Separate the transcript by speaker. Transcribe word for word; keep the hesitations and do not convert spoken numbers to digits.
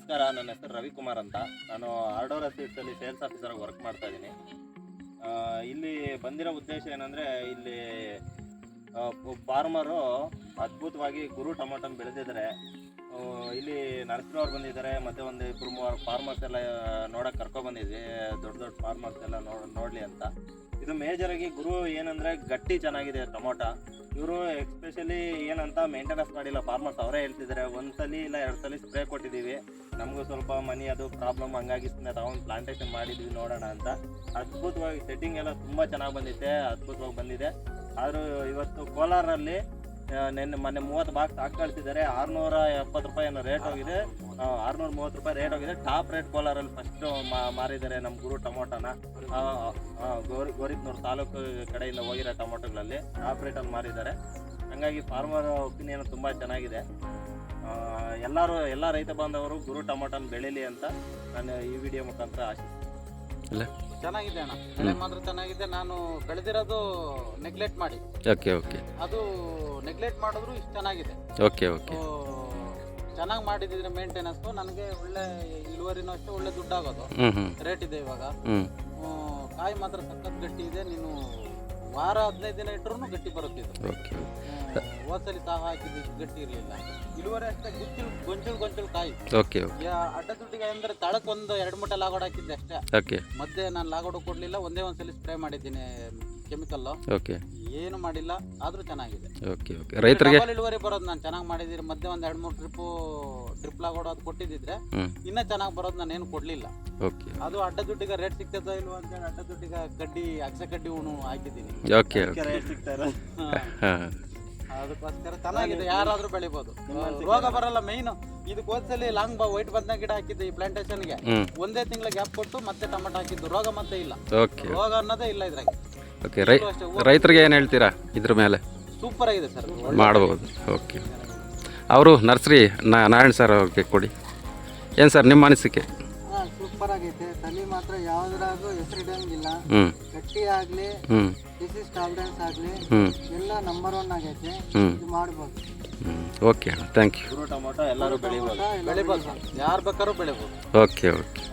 Speaker 1: ನಮಸ್ಕಾರ, ನನ್ನ ಹೆಸರು ರವಿಕುಮಾರ್ ಅಂತ. ನಾನು ಆರ್ಡೋರಾ ಸೀಡ್ಸಲ್ಲಿ ಸೇಲ್ಸ್ ಆಫೀಸರಾಗಿ ವರ್ಕ್ ಮಾಡ್ತಾ ಇದ್ದೀನಿ. ಇಲ್ಲಿ ಬಂದಿರೋ ಉದ್ದೇಶ ಏನಂದರೆ, ಇಲ್ಲಿ ಫಾರ್ಮರು ಅದ್ಭುತವಾಗಿ ಗುರು ಟೊಮೊಟೊನ ಬೆಳೆದಿದ್ದಾರೆ. ಇಲ್ಲಿ ನರ್ಸರಿಯವ್ರು ಬಂದಿದ್ದಾರೆ, ಮತ್ತು ಒಂದು ಇಬ್ಬರು ಮೂವರು ಫಾರ್ಮರ್ಸ್ ಎಲ್ಲ ನೋಡೋಕೆ ಕರ್ಕೊಬಂದಿದ್ವಿ, ದೊಡ್ಡ ದೊಡ್ಡ ಫಾರ್ಮರ್ಸ್ ಎಲ್ಲ ನೋಡ್ ನೋಡಲಿ ಅಂತ. ಇದು ಮೇಜರಾಗಿ ಗುರು ಏನಂದರೆ ಗಟ್ಟಿ ಚೆನ್ನಾಗಿದೆ ಟೊಮೊಟೊ. ಇವರು ಎಕ್ಸ್ಪೆಷಲಿ ಏನಂತ ಮೇಂಟೆನೆನ್ಸ್ ಮಾಡಿಲ್ಲ, ಫಾರ್ಮರ್ಸ್ ಅವರೇ ಹೇಳ್ತಿದ್ದಾರೆ. ಒಂದು ಸಲ ಇಲ್ಲ ಎರಡು ಸಲ ಸ್ಪ್ರೇ ಕೊಟ್ಟಿದ್ದೀವಿ, ನಮಗೂ ಸ್ವಲ್ಪ ಮನಿ ಅದು ಪ್ರಾಬ್ಲಮ್, ಹಂಗಾಗಿ ಸುಮ್ಮನೆ ತಗೊಂಡು ಪ್ಲಾಂಟೇಶನ್ ಮಾಡಿದ್ವಿ ನೋಡೋಣ ಅಂತ. ಅದ್ಭುತವಾಗಿ ಸೆಟ್ಟಿಂಗ್ ಎಲ್ಲ ತುಂಬ ಚೆನ್ನಾಗಿ ಬಂದಿದೆ, ಅದ್ಭುತವಾಗಿ ಬಂದಿದೆ. ಆದರೂ ಇವತ್ತು ಕೋಲಾರಲ್ಲಿ ನೆನ್ನೆ ಮೊನ್ನೆ ಮೂವತ್ತು ಬಾಕ್ಸ್ ಹಾಕಿ ಕಳಿಸಿದ್ದಾರೆ. ಆರುನೂರ ಎಪ್ಪತ್ತು ರೂಪಾಯಿ ಏನೋ ರೇಟ್ ಹೋಗಿದೆ, ಆರುನೂರ ಮೂವತ್ತು ರೂಪಾಯಿ ರೇಟ್ ಹೋಗಿದೆ. ಟಾಪ್ ರೇಟ್ ಕೋಲಾರಲ್ಲಿ ಫಸ್ಟು ಮಾರಿದ್ದಾರೆ ನಮ್ಮ ಗುರು ಟೊಮೊಟೊನ. ಗೋರಿ ಗೋರಿಬ್ನೂರು ತಾಲೂಕು ಕಡೆಯಿಂದ ಹೋಗಿರೋ ಟೊಮೊಟೊಗಳಲ್ಲಿ ಟಾಪ್ ರೇಟಲ್ಲಿ ಮಾರಿದ್ದಾರೆ. ಹಾಗಾಗಿ ಫಾರ್ಮರ್ ಒಪಿನಿಯನ್ ತುಂಬ ಚೆನ್ನಾಗಿದೆ. ಎಲ್ಲರೂ ಎಲ್ಲ ರೈತ ಬಾಂಧವರು ಗುರು ಟೊಮೊಟೊನ ಬೆಳೀಲಿ ಅಂತ ನಾನು ಈ ವಿಡಿಯೋ ಮುಖಾಂತರ ಆಶಿಸ್ತೀನಿ.
Speaker 2: ಚೆನ್ನಾಗಿದೆ ಅಣ್ಣ, ಬೆಳೆ ಮಾತ್ರ ಚೆನ್ನಾಗಿದೆ. ನಾನು ಬೆಳೆದಿರೋದು ನೆಗ್ಲೆಕ್ಟ್ ಮಾಡಿ,
Speaker 3: ಓಕೆ ಓಕೆ
Speaker 2: ಅದು ನೆಗ್ಲೆಕ್ಟ್ ಮಾಡಿದ್ರು ಇಷ್ಟು ಚೆನ್ನಾಗಿದೆ.
Speaker 3: ಓಕೆ ಓಕೆ
Speaker 2: ಚೆನ್ನಾಗಿ ಮಾಡಿದ್ರೆ ಮೇಂಟೆನೆನ್ಸ್ ನನಗೆ ಒಳ್ಳೆ ಇಳುವರಿನೂ ಅಷ್ಟೇ, ಒಳ್ಳೆ ದುಡ್ಡಾಗೋದು. ರೇಟ್ ಇದೆ ಇವಾಗ. ಕಾಯಿ ಮಾತ್ರ ಸಖತ್ ಗಟ್ಟಿ ಇದೆ. ನೀನು ವಾರ ಹದಿನೈದು ದಿನ ಇಟ್ಟರು ಗಟ್ಟಿ ಬರುತ್ತೆ ಇದು. ಹೋದ್ಸಲಿ ಸಹ ಹಾಕಿದ್ದು ಗಟ್ಟಿ ಇರಲಿಲ್ಲ. ಇಳುವರಿ ಅಷ್ಟೇ, ಗುಂಚಲು ಗೊಂಚಲು ಗೊಂಚಲು ಕಾಯಿ.
Speaker 3: ಓಕೆ
Speaker 2: ಅಡ್ಡ ದುಡ್ಡಿಗೆ ಅಂದ್ರೆ ತಳಕ್ ಒಂದು ಎರಡು ಮೂಟೆ ಲಾಗೋಡ್ ಹಾಕಿದ್ದೆ ಅಷ್ಟೇ.
Speaker 3: ಓಕೆ
Speaker 2: ಮಧ್ಯೆ ನಾನು ಲಾಗೋಡ್ ಕೊಡ್ಲಿಲ್ಲ, ಒಂದೇ ಒಂದ್ಸಲಿ ಸ್ಪ್ರೇ ಮಾಡಿದ್ದೀನಿ ಕೆಮಿಕಲ್.
Speaker 3: ಓಕೆ
Speaker 2: ಏನು ಮಾಡಿಲ್ಲ, ಆದ್ರೂ ಚೆನ್ನಾಗಿದೆ.
Speaker 3: ಓಕೆ ಓಕೆ ರೈತರಿಗೆ
Speaker 2: ಇಳುವರಿ ಬರೋದು ನಾನು ಚೆನ್ನಾಗಿ ಮಾಡಿದಿರಿ. ಮಧ್ಯೆ ಒಂದ್ ಎರಡು ಮೂರು ಟ್ರಿಪ್ಪು ಡ್ರಿಪ್ ಲಾಗೋಡ್ ಅದು ಕೊಟ್ಟಿದ್ದಿದ್ರೆ ಇನ್ನ ಚೆನ್ನಾಗಿ ಬರೋದು. ನಾನು ಏನು ಕೊಡ್ಲಿಲ್ಲ.
Speaker 3: ಓಕೆ
Speaker 2: ಅದು ಅಡ್ಡ ದುಡ್ಡಿಗೆ ರೇಟ್ ಸಿಗ್ತದ ಇಲ್ವಾ ಅಂತ ಹೇಳಿ ಅಡ್ಡ ದುಡ್ಡಿಗೆ ಕಡ್ಡಿ ಅಗಸೆ ಕಡ್ಡಿ ಉಣು ಹಾಕಿದ್ದೀನಿ.
Speaker 3: ಓಕೆ
Speaker 1: ರೇಟ್ ಸಿಗ್ತಾರೆ,
Speaker 2: ಅದಕ್ಕೋಸ್ಕರ ಚೆನ್ನಾಗಿದೆ. ಯಾರಾದ್ರೂ ಬೆಳಿಬಹುದು, ರೋಗ ಬರಲ್ಲ. ಮೈನ್ ಇದಕ್ಕೆ ಹೋದ್ಸಲಿ ಲಾಂಗ್ ಬಾ ವೈಟ್ ಬದ್ನ ಗಿಡ ಹಾಕಿದ್ದೆ ಈ ಪ್ಲಾಂಟೇಶನ್ಗೆ. ಒಂದೇ ತಿಂಗಳ ಗ್ಯಾಪ್ ಕೊಟ್ಟು ಮತ್ತೆ ಟೊಮೆಟೊ ಹಾಕಿದ್ದು, ರೋಗ ಮತ್ತೆ ಇಲ್ಲ.
Speaker 3: ಓಕೆ
Speaker 2: ರೋಗ ಅನ್ನೋದೇ ಇಲ್ಲ ಇದ್ರಾಗ.
Speaker 3: ಓಕೆ ರೈ ರೈತರಿಗೆ ಏನು ಹೇಳ್ತೀರಾ ಇದ್ರ ಮೇಲೆ?
Speaker 2: ಸೂಪರ್ ಆಗಿದೆ ಸರ್,
Speaker 3: ಮಾಡ್ಬೋದು. ಓಕೆ, ಅವರು ನರ್ಸರಿ ನಾರಾಯಣ್ ಸರ್ ಅವ್ರಿಗೆ ಕೊಡಿ. ಏನು ಸರ್ ನಿಮ್ಮ ಅನಿಸಿಕೆ?
Speaker 4: ಸೂಪರ್ ಆಗೈತೆ. ತಲೆ ಮಾತ್ರ ಯಾವ್ದ್ರಾಗೂ ಹೆಸರು ಇಡಂಗಿಲ್ಲ. ಗಟ್ಟಿ ಆಗ್ಲಿ, ಡಿಸೀಸ್ ಟಾಲರೆನ್ಸ್ ಆಗ್ಲಿ, ಎಲ್ಲ ನಂಬರ್ ಒನ್ ಆಗೈತೆ. ಇದು ಮಾಡ್ಬೋದು.
Speaker 3: ಓಕೆ ಅಣ್ಣ, ಥ್ಯಾಂಕ್ ಯು.
Speaker 1: ಗುರು ಟೊಮೊಟೊ ಎಲ್ಲರೂ ಬೆಳಿಬೋದು,
Speaker 2: ಬೆಳಿಬೋದು, ಯಾರು ಬೇಕಾದ್ರೂ ಬೆಳಿಬೋದು.
Speaker 3: Okay okay